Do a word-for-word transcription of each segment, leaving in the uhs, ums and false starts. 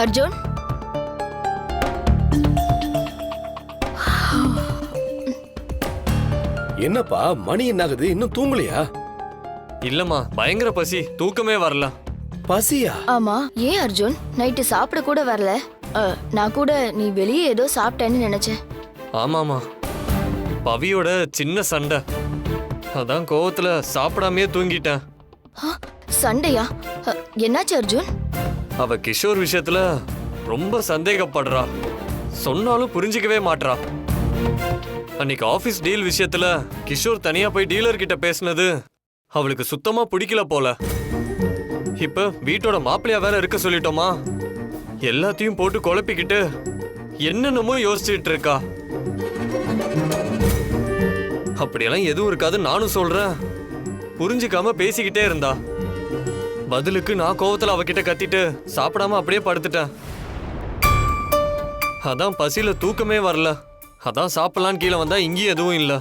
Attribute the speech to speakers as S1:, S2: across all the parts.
S1: அர்ஜுன்,
S2: என்னப்பா மணி என்ன ஆகுது? இன்னும் தூங்கலையா?
S3: இல்லம்மா, பயங்கர பசி, தூக்கமே வரல.
S2: பசியா?
S1: ஆமா. ஏன் அர்ஜுன் நைட்டு சாப்பிட கூட வரல? அ, நான் கூட நீ வெளியே ஏதோ சாப்பிட்டேன்னு நினைச்சேன்.
S3: ஆமாமா, பவியோட சின்ன சண்டை, அதான் கோவத்துல சாப்பிடாமையே தூங்கிட்டேன்.
S1: ஆ, சண்டையா? அ, என்னாச்சு அர்ஜுன்?
S3: அவ கிஷோர் விஷயத்துல ரொம்ப சந்தேகப்படுறா, சொன்னாலும் புரிஞ்சிக்கவே மாட்றா. அன்னைக்கு ஆபீஸ் டீல் விஷயத்துல கிஷோர் தனியா போய் டீலர் கிட்ட பேசினது அவளுக்கு சுத்தமா பிடிக்கல போல. இப்ப வீட்டோட மாப்பிள்ளையா வேற இருக்க சொல்லிட்டோமா, எல்லாத்தையும் போட்டு குழப்பிக்கிட்டு என்னென்னமோ யோசிச்சுட்டு இருக்கா. அப்படியெல்லாம் எதுவும் இருக்காது நானும் சொல்றேன், புரிஞ்சுக்காம பேசிக்கிட்டே இருந்தா. பதிலுக்கு நான் கோவத்துல அவகிட்ட கத்திட்டு சாப்பிடாம அப்படியே படுத்துட்டேன். அதான் பசியில தூக்கமே வரல. அதான் சாப்பிடலான்னு கீழே வந்தா இங்கேயும் எதுவும் இல்ல.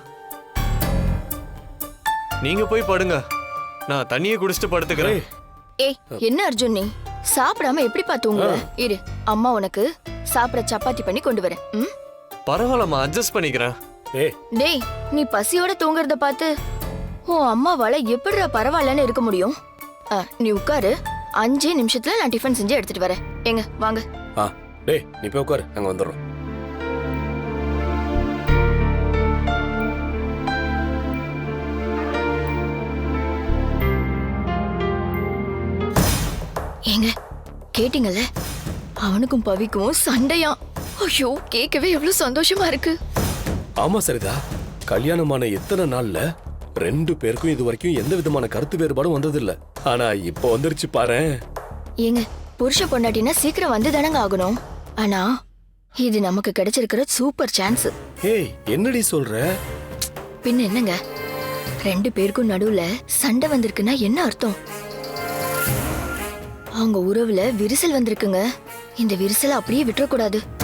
S3: நீங்க போய் படுங்க, நான் தண்ணியை குடிச்சிட்டு படுத்துக்கிறேன்.
S1: ஏய், என்ன அர்ஜுன் நீ சாப்பிடாம எப்படி பாத்துங்க? இரு, அம்மா உனக்கு சாப்பிட சப்பாத்தி பண்ணி கொண்டு வரேன். ம்?
S3: பரவாயில்லம்மா, அட்ஜஸ்ட் பண்ணிக்கிறேன்.
S2: ஏய்,
S1: டேய், நீ பசியோட தூங்குறத பார்த்து உன் அம்மாவால எப்படிடா பரவாயில்லன்னு இருக்க முடியும்? அ, நீ உட்காரு, அஞ்சே நிமிஷத்துல நான் டிஃபன் செஞ்சு எடுத்துட்டு வரேன். எங்க வாங்க.
S2: ஆ, டேய் நீ போய் உட்காரு, நாங்க வந்துடுறோம்.
S1: ஏங்க, கேட்டீங்கல்ல, அவனுக்கும் பவிக்கும் சண்டையா? ஐயோ, கேட்கவே எவ்வளவு சந்தோஷமா இருக்கு.
S2: ஆமா சரிதா, கல்யாணமான எத்தனை நாள்ல ரெண்டு பேருக்கும் இது வரைக்கும் எந்த விதமான கருத்து வேறுபாடும் வந்ததில்ல. ஆனா இப்போ வந்துருச்சு பாரேன்.
S1: ஏங்க, புருஷ பொண்டாட்டினா சீக்கிரம் வந்து தானங்க ஆகணும். ஆனா இது நமக்கு கிடைச்சிருக்கிற சூப்பர் சான்ஸ்.
S2: ஏய், என்னடி சொல்ற?
S1: பின்ன என்னங்க, ரெண்டு பேருக்கும் நடுவுல சண்டை வந்திருக்குன்னா என்ன அர்த்தம்? அவங்க உறவுல விரிசல் வந்திருக்குங்க. இந்த விரிசலை அப்படியே விட்டுறக்கூடாது.